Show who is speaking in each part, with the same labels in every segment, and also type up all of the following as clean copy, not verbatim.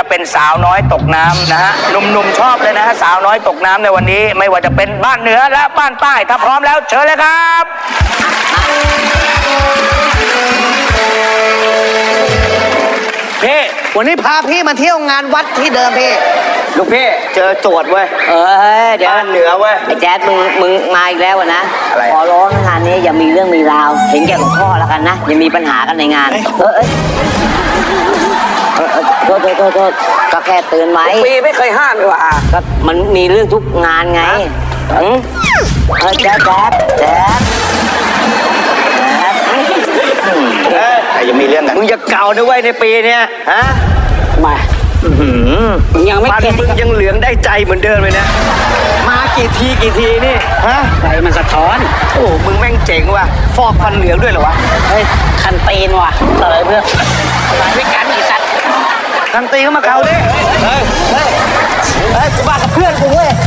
Speaker 1: เป็นสาวน้อยตกน้ำนะฮะหนุ่มๆชอบเลยนะฮะสาวน้อยตกน้ำในวันนี้ไม่ว่าจะเป็นบ้านเหนือและบ้านใต้ถ้าพร้อมแล้วเชิญเลยครับ
Speaker 2: พี่วันนี้พาพี่มาเที่ยวงานวัดที่เดิมพี่ลูกพี่เจอโจทย์เว้ย
Speaker 3: เดี๋ยว
Speaker 2: บ้านเหนือเว้ย
Speaker 3: ไอ้แจ๊ดมึงมาอีกแล้วนะ
Speaker 1: อะไร
Speaker 3: ขอร้องงานนี้อย่ามีเรื่องมีราวเห็นแก่หลวงพ่อแล้วกันนะอย่ามีปัญหากันในงานโทษก็แค่เตือนไว้
Speaker 2: ปีไม่เคยห้ามเลยว่ะ
Speaker 3: ก็มันมีเรื่องทุกงานไงแจ๊ด
Speaker 1: แต่ยังมีเรื่องกัน
Speaker 2: มึงจะเก่าด้วยเว้ยในปีเนี้ยฮะ
Speaker 3: มามึงยังไม่เก็ต
Speaker 2: มึงยังเหลืองได้ใจเหมือนเดิมเลยนะมากี่ทีนี่ฮะ
Speaker 3: ใจมันสะท้อน
Speaker 2: โอ้มึงแม่งเจ๋งว่ะฟอกฟันเหลืองด้วยเหรอวะ
Speaker 3: เฮ้ยคันตีนว่ะอะไรเพื่อนมาด้วยกันอีสัตว์
Speaker 2: คันตีเข้ามาเกาดิเฮ้ยกูบ้ากับเพื่อนกูเว้ย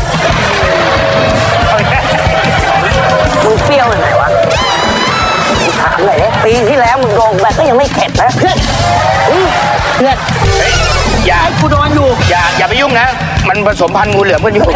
Speaker 3: มึงเปรี้ยวยังไงวะถามหน่อยเนี่ยปีที่แล้วมึงโดนแบบก็ยังไม่เข็ดนะเพื่อน
Speaker 1: อย่า
Speaker 2: กูโดนอยู่
Speaker 1: อย่าไปยุ่งนะมันผสมพันธุ์งูเหลือมกันอยู่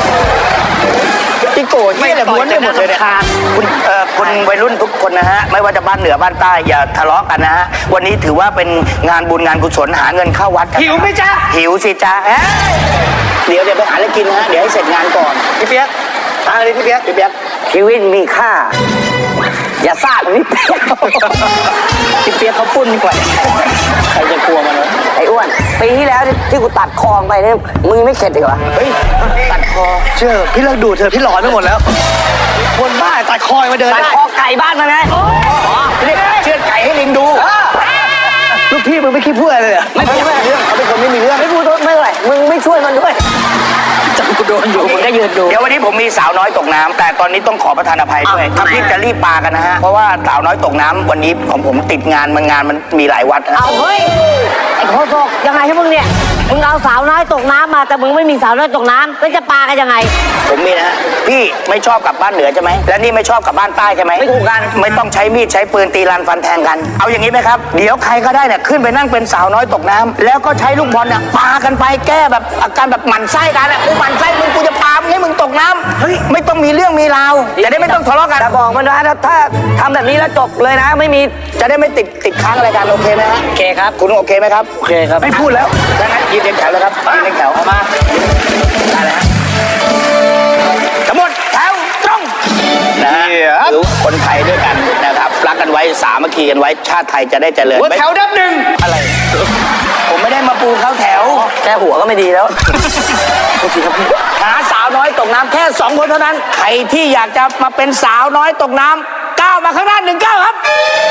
Speaker 1: ที่โกรธไม่แต่ม้วนได้หมดเลยเนี่ยคุณวัยรุ่นทุกคนนะฮะไม่ว่าจะบ้านเหนือบ้านใต้อย่าทะเลาะกันนะฮะวันนี้ถือว่าเป็นงานบุญงานกุศลหาเงินเข้าวัดกัน
Speaker 2: หิวไหมจ๊ะ
Speaker 1: หิวสิจ๊ะเดี๋ยวไปหาอะไรกินนะฮะเดี๋ยวให้เสร็จงานก่อน
Speaker 2: พี่เปี๊ยกทางอะไรพี่เปี๊ยก
Speaker 3: ชีวิตมีค่าอย่าซ่าแบบนี้
Speaker 1: พี่เปี๊ยกเขาปุ้นกว่าใครจะกลัวมันวะ
Speaker 3: ไอ้อ้วนปีที่แล้วที่กูตัดคอไปเนี่ยมึงไม่เข็ดอีกเหรอ
Speaker 1: เฮ้ยตัดคอ
Speaker 2: เชื่อพี่เลิกดูเธอพี่หลอนไปหมดแล้วคนบ้าตัดคอมาเดิน
Speaker 3: ตัดคอไก่บ้านมาไง
Speaker 1: เรียกเชือดไก่ให้ลิงดู
Speaker 2: ลูกพี่มึงไม่คิดพูดอะไรเลย
Speaker 3: ไม่พูด
Speaker 2: เรื่องเขาเป็นคนไม่มีเรื่อง
Speaker 3: ไม่พูดไม่เลยมึงไม่ช่วยมันด้วย
Speaker 2: จังกูโดนอยู่
Speaker 3: มึงก็ยืนดู
Speaker 1: เดี๋ยววันนี้ผมมีสาวน้อยตกน้ำแต่ตอนนี้ต้องขอประทานอภัยด้วยถ้าพี่จะรีบปากันนะฮะเพราะว่าสาวน้อยตกน้ำวันนี้ของผมติดงานมันมีหลายวัด
Speaker 3: เอาเฮ้ยไอ้โคตกยังไงให้มึงเนี่ยมึงเอาสาวน้อยตกน้ำมาแต่มึงไม่มีสาวน้อยตกน้ำแล้วจะปากันยังไง
Speaker 1: ผมมีนะฮะพี่ไม่ชอบกลับบ้านเหนือใช่ไหมและนี่ไม่ชอบกลับบ้านใต้ใช่ไหม
Speaker 3: ไม่ถูกกัน
Speaker 1: ไม่ต้องใช้มีดใช้ปืนตีรันฟันแทงกันเอาอย่างนี้ไหมครับเดี๋ยวใครก็ได้เนี่ยขึ้นไปนั่งเป็นสาวน้อยตกน้ำแล้วก็ใช้ลูกบอลเนี่ยปากันไปแก้แบบอาการแบบหมั่นไส้กันกูหมั่นไส้มึงกูจะปาให้มึงตกน้ำเฮ้ยไม่ต้องมีเรื่องมีราวจะได้ไม่ต้องทะเลาะกัน
Speaker 3: แต่บอกมันนะถ้าทำแบบนี้แล้วจบเลยนะไม่มี
Speaker 1: จะได้ไม่ติดค้างอะไรกันโอเคไหมฮะ
Speaker 3: โอเคครับ
Speaker 1: คุณโอเคไหมครับ
Speaker 3: โอเคครับ
Speaker 1: ไม่พูดแล้วดังนั้นยืนเรียงแถวเลยครับยืนเรียงแถวมาได้แล้วทั้งหมดแถวตรงนะฮะหรือคนไทยด้วยกันนะครับรักกันไว้สามัคคีกันไว้ชาติไทยจะได้เจริญ
Speaker 2: แถวดับหนึ่ง
Speaker 1: อะไรผมไม่ได้มาปูเข้าแถว
Speaker 3: แค่หัวก็ไม่ดีแล้วโอเคครับพี่
Speaker 1: หาสาวน้อยตกน้ำแค่2 คนเท่านั้นใครที่อยากจะมาเป็นสาวน้อยตกน้ำก้าวมาข้างหน้า1 ก้าวครับ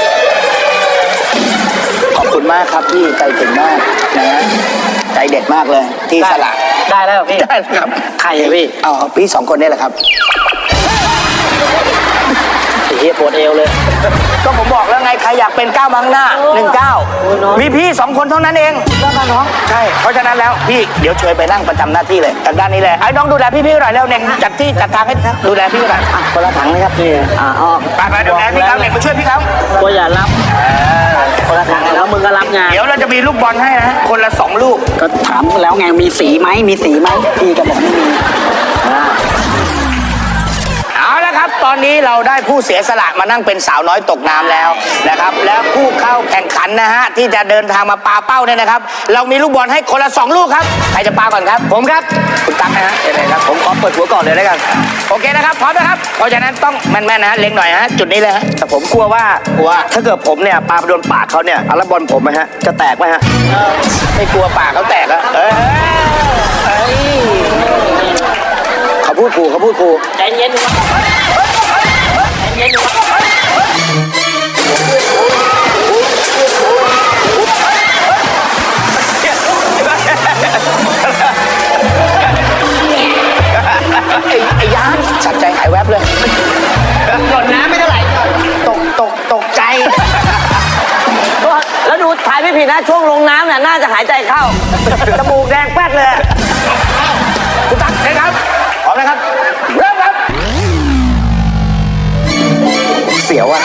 Speaker 1: ขอบคุณมากครับพี่ใจถึงมากนะฮะใจเด็ดมากเลยที่สละ
Speaker 3: ได้แล้วพี่
Speaker 1: ได้ครับ
Speaker 3: ใครพี่
Speaker 1: พี่2 คนนี่แหละครับ
Speaker 3: เฮียปวดเอวเลย
Speaker 1: ก็ผมบอกแล้วไงใครอยากเป็นก้าวมาข้างหน้า1 ก้าวมีพี่2 คนเท่านั้นเอง
Speaker 3: แล้วน้อง
Speaker 1: ใช่เพราะฉะนั้นแล้วพี่เดี๋ยวเชิญไปนั่งประจำหน้าที่เลยจากด้านนี้เลยไอ้น้องดูแลพี่หน่อยแล้วเน่งจัดที่จัดทางให้ดูแลพี่หน่อย
Speaker 3: คนละถังนะครับพี่
Speaker 1: ไปดูแลพี่เขาเน่งมาช่วยพี่เขา
Speaker 3: ก็อย่ารับคนละถังแล้วมึงก็รับงาน
Speaker 1: เดี๋ยวเราจะมีลูกบอลให้นะคนละ2 ลูก
Speaker 3: ก็ถามแล้วไงมีสีไหมพี่ก็บอกไม่มี
Speaker 1: เอาละครับตอนนี้เราได้ผู้เสียสละมานั่งเป็นสาวน้อยตกน้ำแล้วนะครับแล้วผู้เข้าแข่งขันนะฮะที่จะเดินทางมาปาเป้าเนี่ยนะครับเรามีลูกบอลให้คนละ2 ลูกครับใครจะปาก่อนครับผมครับคุณตั๊กนะฮะเดี๋ยวครับผมขอเปิดหัวก่อนเลยแล้วกันโอเคนะครับพร้อมนะครับเพราะฉะนั้นต้องแม่นๆนะฮะเล็งหน่อยฮะจุดนี้เลยฮะ
Speaker 2: แต่ผมกลัวว่าถ้าเกิดผมเนี่ยปาไปโดนปากเขาเนี่ยแล้วบอลผมฮะจะแตกไหมฮะ
Speaker 1: ไม่กลัวปากเขาแตกอะเขาพูดครู
Speaker 3: ใจเย็น
Speaker 1: ไอ้ยานสัตว์ใจหายแวบเลย
Speaker 3: หล่นน้ำไม่เท่าไหร่
Speaker 1: ตกใจ
Speaker 3: แล้วดูถ่ายไม่ผิดนะช่วงลงน้ำเนี่ยน่าจะหายใจเข้าจมูกแดงแป๊ดเลย
Speaker 1: คุณตั๊กนะครับพร้อมนะครับเริ่มครับเสียวอ่ะ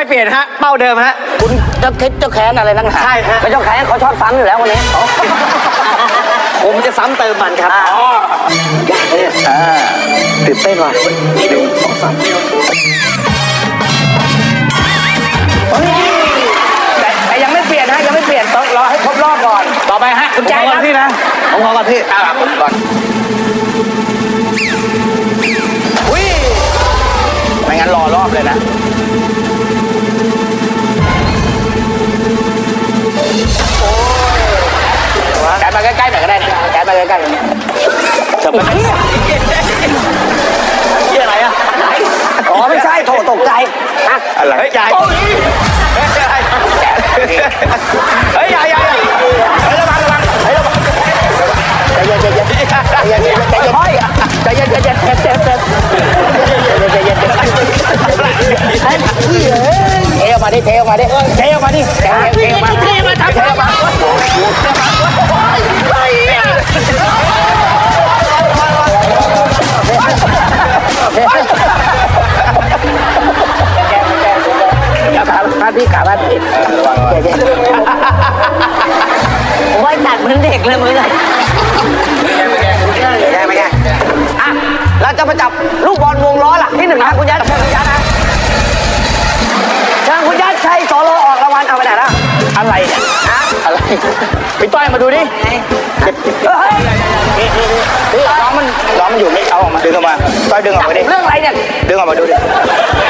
Speaker 2: เปลี่ยนฮะเป้าเดิมฮะ
Speaker 1: คุณจะคิดจะแค้นอะไรนักหนา
Speaker 2: ใช่ฮะ
Speaker 3: ไม่ต้องแข่งเขาชอบซ้ำอยู่แล้ววันนี้
Speaker 2: ผมจะซ้ำเติมมันครับ
Speaker 3: ตื่นเต้นว่ะ
Speaker 1: แต่ยังไม่เปลี่ยนฮะยังไม่เปลี่ยนต้องรอให้ครบรอบก่อน ต่อไปฮะคุณใจ
Speaker 2: ผมขอก่อนพี่นะผมขอก่อนพี่
Speaker 1: ผมก่อนอุ้ยไม่งั้นรอรอบเลยนะแกมาใกล้ๆหน่อยก็ได้นะแกมาใกล้ๆอย่างนี้เชิญไป
Speaker 2: พี่อะไรอ่ะ
Speaker 3: อ๋อไม่ใช่โถตกใจอ่ะ
Speaker 1: อะไร
Speaker 2: เฮ้ยใหญ่เฮ้ยใหญ่ใหญ่
Speaker 1: เฮ้ยระวังเฮ้ยระวังใจเย็นใจเย็นใจเย็นใจเย็นใจเย็นใจเย็นใจเย็นเจ็บใจเย็นเทออกมาดิเทออกมาดิเทออกมาดิเทออกมาเทมาทำเทออกมาขาพี่ขาพี่ระวังใจเย็น
Speaker 3: ผมว่าจัดเหมือนเด็กเลยมึงอะ
Speaker 2: แย่ไหมแย่
Speaker 3: อ่ะเราจะมาจับลูกบอลวงล้อหลักที่หนึ่งนะคุณยัดเชิญคุณยัดนะเชิญคุณยัดใช้โซโลออกรางวัลเอาไปไหนล่ะ
Speaker 1: อะไรเนี่ยอะไรพี่ต้อยมาดูดิ
Speaker 3: เฮ้ย
Speaker 1: น้องมันอยู่ไม่เอาออกมาดึงออกมาต้อยดึงออกมาดิ
Speaker 3: เรื่องอะไรเนี่ย
Speaker 1: ดึงออกมาดูดิ